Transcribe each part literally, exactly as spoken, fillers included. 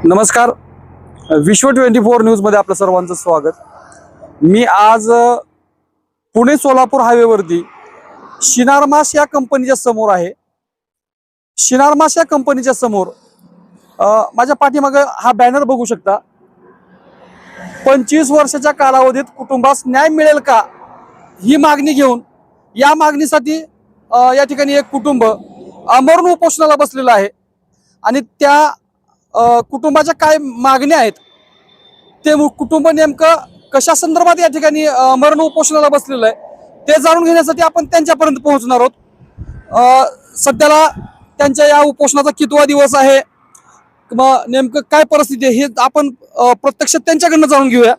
नमस्कार, विश्व twenty four न्यूजमध्ये आपलं सर्वांचं स्वागत. मी आज पुणे सोलापूर हायवेवरती शिनारमास या कंपनीच्या समोर आहे. शिनारमास या कंपनीच्या समोर माझ्या पाठीमागे हा बॅनर बघू शकता. पंचवीस वर्षाच्या कालावधीत कुटुंबास न्याय मिळेल का, ही मागणी घेऊन या मागणीसाठी या ठिकाणी एक कुटुंब आमरण उपोषणाला बसलेलं आहे. आणि त्या कुटुंबाच्या काय मागण्या आहेत, ते कुटुंब नेमकं कशा संदर्भात या ठिकाणी मरण उपोषणाला बसलेलं आहे, ते जाणून घेण्यासाठी आपण त्यांच्यापर्यंत पोहोचणार आहोत. सध्याला त्यांच्या या उपोषणाचा कितवा दिवस आहे किंवा नेमकं काय परिस्थिती आहे, हे आपण प्रत्यक्ष त्यांच्याकडनं जाणून घेऊया.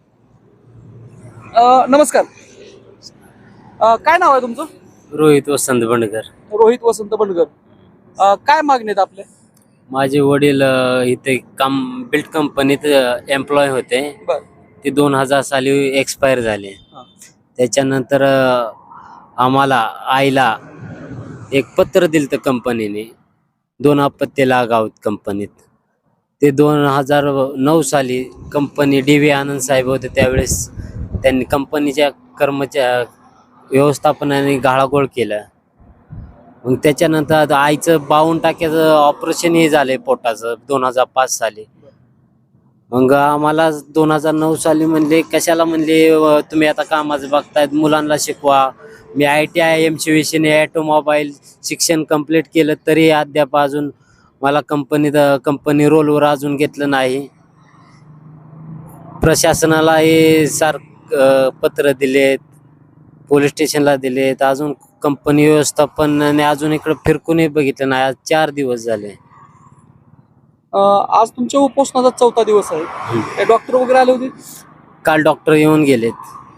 नमस्कार, काय नाव आहे तुमचं? रोहित वसंत बंडकर. रोहित वसंत बंडकर. काय मागणी आहेत आपल्या? माझे वडील इथे काम बिल्ड कंपनीत एम्प्लॉय होते. ते दोन हजार साली एक्सपायर झाले. त्याच्यानंतर आम्हाला आईला एक पत्र दिलं तर कंपनीने, दोन अपत्य लागावत कंपनीत. ते दोन हजार नऊ साली कंपनी डी व्ही आनंद साहेब होते, त्यावेळेस त्यांनी कंपनीच्या कर्मचारी व्यवस्थापनाने गाळागोळ केला. मग त्याच्यानंतर आता आईचं बावन्न टाक्याचं ऑपरेशन हे झालंय पोटाचं दोन हजार पाच साली. मग आम्हाला दोन हजार नऊ साली म्हणले, कशाला म्हणले तुम्ही आता कामाचं बघतायत, मुलांना शिकवा. मी आय टी आय एम शिवेशने ऑटोमोबाईल शिक्षण कंप्लीट केलं, तरी अद्याप अजून मला कंपनीत कंपनी रोलवर अजून घेतलं नाही. प्रशासनाला हे सारखं पत्र दिलेत, पोलीस स्टेशनला दिलेत, अजून कंपनी व्यवस्थापनाने अजून इकडे फिरकूनही बघितलं नाही. आज चार दिवस झाले. आज तुमच्या उपोषणाचा चौथा दिवस आहे. डॉक्टर वगैरे आले होते? काल डॉक्टर येऊन गेलेत.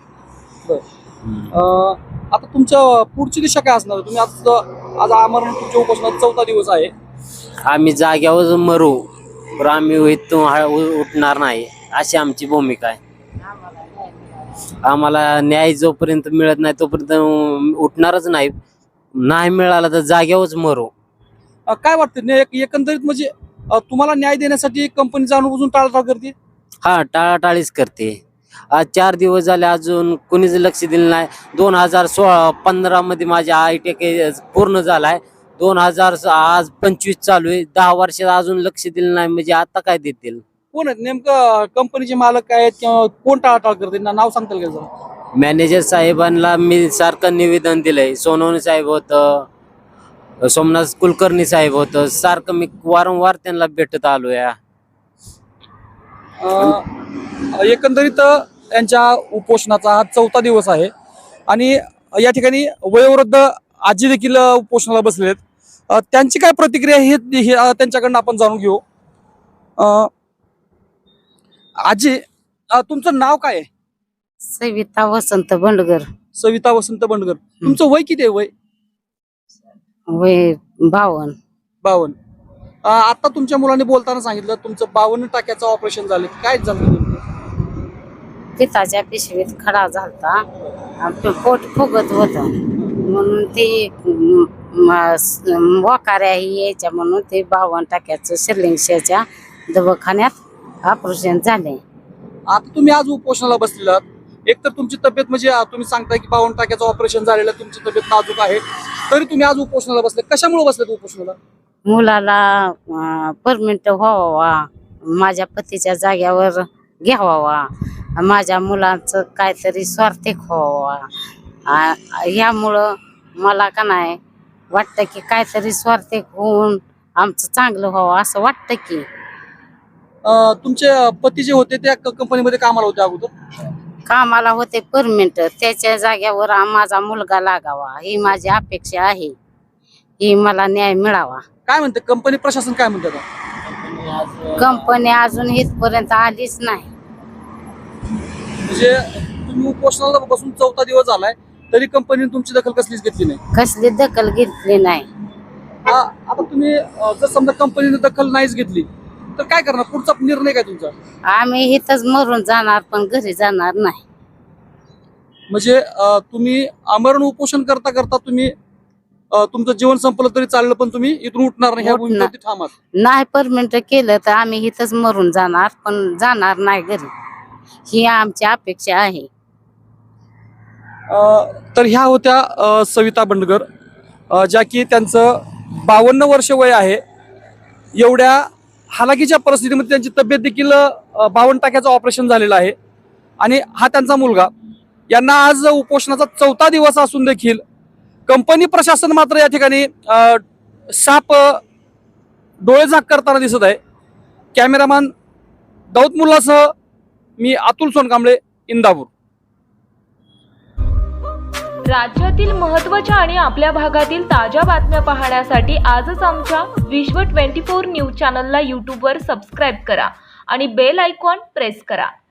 आता तुमच्या पुढची दिशा काय असणार? तुम्ही आज आज आमरण तुमच्या उपोषणाचा चौथा दिवस आहे. आम्ही जाग्यावर मरू, पण आम्ही इथून उठणार नाही, अशी आमची भूमिका आहे. आम्हाला न्याय जोपर्यंत मिळत नाही तोपर्यंत उठणारच नाही. नाही मिळाला तर जाग्यावरच मरू. काय वाटतं एकंदरीत, म्हणजे तुम्हाला न्याय देण्यासाठी कंपनी जाणून बुजून टाळाटाळ करते? हा, टाळाटाळीच करते. आज चार दिवस झाले अजून कोणीच लक्ष दिलं नाही. दोन हजार सोळा पंधरा मध्ये माझ्या आय टी पूर्ण झालाय. दोन हजार आज पंचवीस चालू आहे. दहा वर्षात अजून लक्ष दिलं नाही, म्हणजे आता काय देतील? कोण आहेत नेमकं कंपनीचे मालक काय आहेत किंवा कोण टाळाटाळ करते? नाव सांगताल का जरा? मॅनेजर साहेबांना मी सारखं निवेदन दिलंय. सोनवणे साहेब होतं, सोमनाथ कुलकर्णी साहेब होतं, सारखं मी वारंवार त्यांना भेटत आलोय. एकंदरीत यांच्या उपोषणाचा हा चौथा दिवस आहे आणि या ठिकाणी वयोवृद्ध आजी देखील उपोषणाला बसले आहेत. त्यांची काय प्रतिक्रिया हे त्यांच्याकडनं आपण जाणून घेऊ. आजी, तुमचं नाव काय आहे? सविता वसंत बंडगर. सविता वसंत बंडगर. तुमचं वय किती आहे? वय वय बावन. बावन. आता तुमच्या मुलांनी बोलताना सांगितलं तुमचं बावन्न टाक्याचं ऑपरेशन झालं. काय झालं? पिताच्या पिशवीत खडा झालता, पोट फुगत होत म्हणून ते वाकाऱ्या यायच्या, म्हणून ते बावन्न टाक्याचं शिर्लिंगच्या दवाखान्यात ऑपरेशन झाले. आता तुम्ही आज उपोषणाला बसलेला, एक तर तुमची तब्येत, म्हणजे तुम्ही सांगताय की बावन्न टाक्याचं ऑपरेशन झालेलं, तुमची तब्येत नाजूक आहे, तरी तुम्ही आज उपोषणाला बसले. कशामुळे बसले उपोषणाला? मुलाला परमिट व्हावा, माझ्या पतीच्या जाग्यावर घ्यावा, माझ्या मुलांचं काहीतरी स्वार्थिक व्हावा. यामुळं मला का नाही वाटतं की काहीतरी स्वार्थिक होऊन आमचं चांगलं व्हावं असं वाटतं. की तुमचे पती जे होते त्या कंपनीमध्ये कामाला होते अगोदर? कामाला होते परमिट, त्याच्या जाग्यावर माझा मुलगा लागावा ही माझी अपेक्षा आहे. ही मला न्याय मिळावा. काय म्हणते कंपनी प्रशासन, काय म्हणतात? कंपनी अजून इथपर्यंत आलीच नाही. म्हणजे तुम्ही उपोषणाला बसून चौथा दिवस झालाय, तरी कंपनीने तुमची दखल कसलीच घेतली नाही? कसली दखल घेतली नाही. आता तुम्ही जर समजा कंपनीने दखल नाहीच घेतली तर काय करणार? पुढचा निर्णय काय तुमचा? आम्ही इथंच मरून जाणार, पण घरी जाणार नाही. म्हणजे तुम्ही आमरण उपोषण करता करता तुम्ही अ, तुमचं जीवन संपलं तरी चाललं पण तुम्ही इथून उठणार नाही, ह्या उठणार. भूमिकेवरती ठाम आहात. नाही परमिट केलं तर आम्ही इथंच मरून जाणार, पण जाणार नाही घरी, ही आमची अपेक्षा आहे. अ, तर ह्या होत्या अ, सविता बंडगर, अ, ज्या की त्यांचं बावन्न वर्ष वय आहे. एवढ्या हालाकीच्या परिस्थितीमध्ये त्यांची तब्येत देखील अ, बावन्न टाक्याचं ऑपरेशन झालेलं आहे आणि हा त्यांचा मुलगा. यांना आज उपोषणाचा चौथा दिवस असून देखील कंपनी प्रशासन मात्र या ठिकाणी अ, साप अ, डोळे झाक करताना दिसत आहे. कॅमेरामॅन दाऊद मुल्लासह मी अतुल सोनकांबळे, इंदापूर. राज्यातील महत्त्वाच्या आणि आपल्या भागातील ताज्या बातम्या पाहण्यासाठी आजच आमच्या विश्व चोवीस न्यूज चॅनलला यूट्यूबवर सबस्क्राईब करा आणि बेल आयकॉन प्रेस करा.